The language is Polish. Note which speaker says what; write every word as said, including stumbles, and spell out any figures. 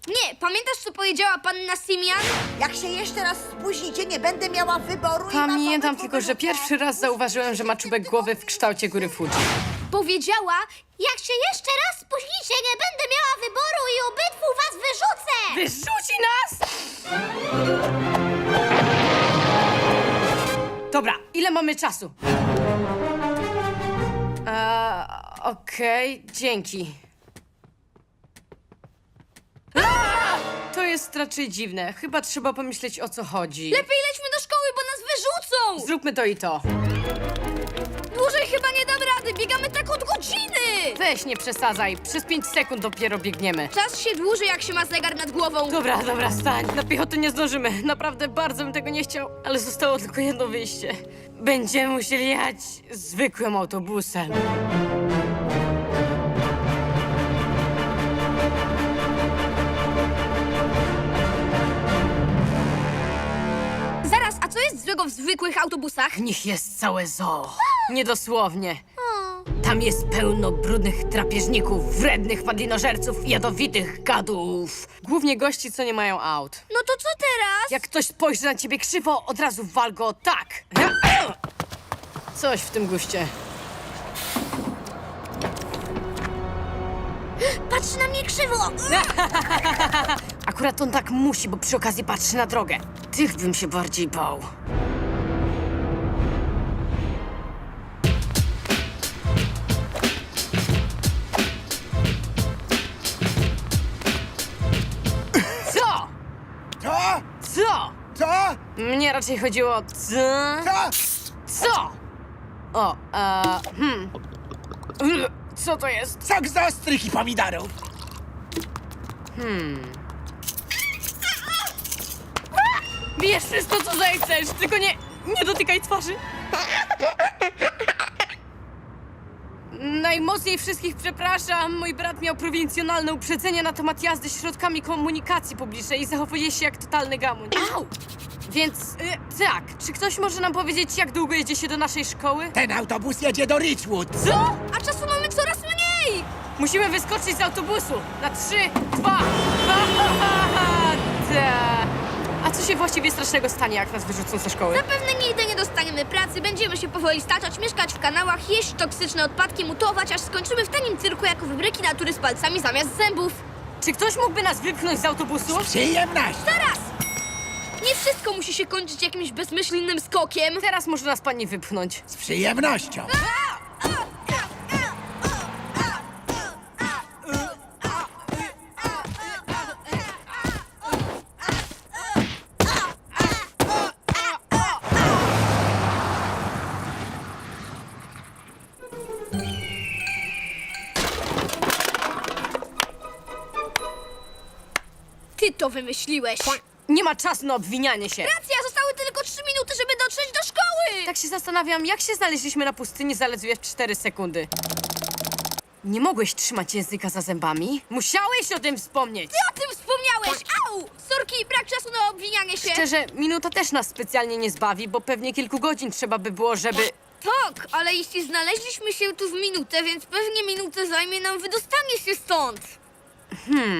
Speaker 1: Nie, pamiętasz, co powiedziała panna Simian?
Speaker 2: Jak się jeszcze raz spóźnicie, nie będę miała wyboru i
Speaker 3: Pamiętam
Speaker 2: was
Speaker 3: tylko, że pierwszy raz zauważyłem, że ma czubek głowy w kształcie góry Fuji.
Speaker 1: Powiedziała, jak się jeszcze raz spóźnicie, nie będę miała wyboru i obydwu was wyrzucę!
Speaker 3: Wyrzuci nas! Dobra, ile mamy czasu? Eee, Okej, dzięki. Aaa! To jest raczej dziwne. Chyba trzeba pomyśleć, o co chodzi.
Speaker 1: Lepiej lećmy do szkoły, bo nas wyrzucą!
Speaker 3: Zróbmy to i to.
Speaker 1: Dłużej chyba nie dam rady, biegamy tak od godziny!
Speaker 3: Weź, nie przesadzaj. Przez pięć sekund dopiero biegniemy.
Speaker 1: Czas się dłuży, jak się ma zegar nad głową.
Speaker 3: Dobra, dobra, stań. Na piechotę nie zdążymy. Naprawdę bardzo bym tego nie chciał, ale zostało tylko jedno wyjście. Będziemy musieli jechać zwykłym autobusem.
Speaker 1: Zaraz, a co jest złego w zwykłych autobusach?
Speaker 3: W nich jest całe zoo. Niedosłownie.
Speaker 1: O,
Speaker 3: Tam jest pełno brudnych drapieżników, wrednych padlinożerców i jadowitych gadów. Głównie gości, co nie mają aut.
Speaker 1: no to co teraz?
Speaker 3: Jak ktoś spojrzy na ciebie krzywo, od razu wal go tak. Coś w tym guście.
Speaker 1: Patrz na mnie krzywo!
Speaker 3: Akurat on tak musi, bo przy okazji patrzy na drogę. Tych bym się bardziej bał. Co?
Speaker 4: Co?
Speaker 3: Co?
Speaker 4: Co?
Speaker 3: Mnie raczej chodziło o co?
Speaker 4: Co?
Speaker 3: Co? O, e, hmm. Ugh, Co to jest?
Speaker 4: Sok z ostrych i pomidorów.
Speaker 3: Bierz wszystko, co zechcesz, tylko nie, nie dotykaj twarzy. Najmocniej wszystkich przepraszam. Mój brat miał prowincjonalne uprzedzenie na temat jazdy środkami komunikacji publicznej i zachowuje się jak totalny gamuń. Au! Więc, y, tak, czy ktoś może nam powiedzieć, jak długo jedzie się do naszej szkoły?
Speaker 4: Ten autobus jedzie do Richwood.
Speaker 3: Co?
Speaker 1: A czasu mamy coraz mniej!
Speaker 3: Musimy wyskoczyć z autobusu. Na trzy, dwa, ta. A co się właściwie strasznego stanie, jak nas wyrzucą ze szkoły?
Speaker 1: Zapewne nigdy nie dostaniemy pracy, będziemy się powoli staczać, mieszkać w kanałach, jeść toksyczne odpadki, mutować, aż skończymy w tanim cyrku jak wybryki natury z palcami zamiast zębów.
Speaker 3: Czy ktoś mógłby nas wypchnąć z autobusu?
Speaker 4: Przyjemność.
Speaker 1: Zaraz! Nie wszystko musi się kończyć jakimś bezmyślnym skokiem.
Speaker 3: Teraz może nas pani wypchnąć.
Speaker 4: Z przyjemnością.
Speaker 1: Ty to wymyśliłeś.
Speaker 3: Nie ma czasu na obwinianie się.
Speaker 1: Racja, zostały tylko trzy minuty, żeby dotrzeć do szkoły.
Speaker 3: Tak się zastanawiam, jak się znaleźliśmy na pustyni zaledwie w cztery sekundy. Nie mogłeś trzymać języka za zębami? Musiałeś o tym wspomnieć!
Speaker 1: Ty o tym wspomniałeś! Au! Sorki, brak czasu na obwinianie się.
Speaker 3: Szczerze, minuta też nas specjalnie nie zbawi, bo pewnie kilku godzin trzeba by było, żeby...
Speaker 1: Tak, ale jeśli znaleźliśmy się tu w minutę, więc pewnie minutę zajmie nam wydostanie się stąd.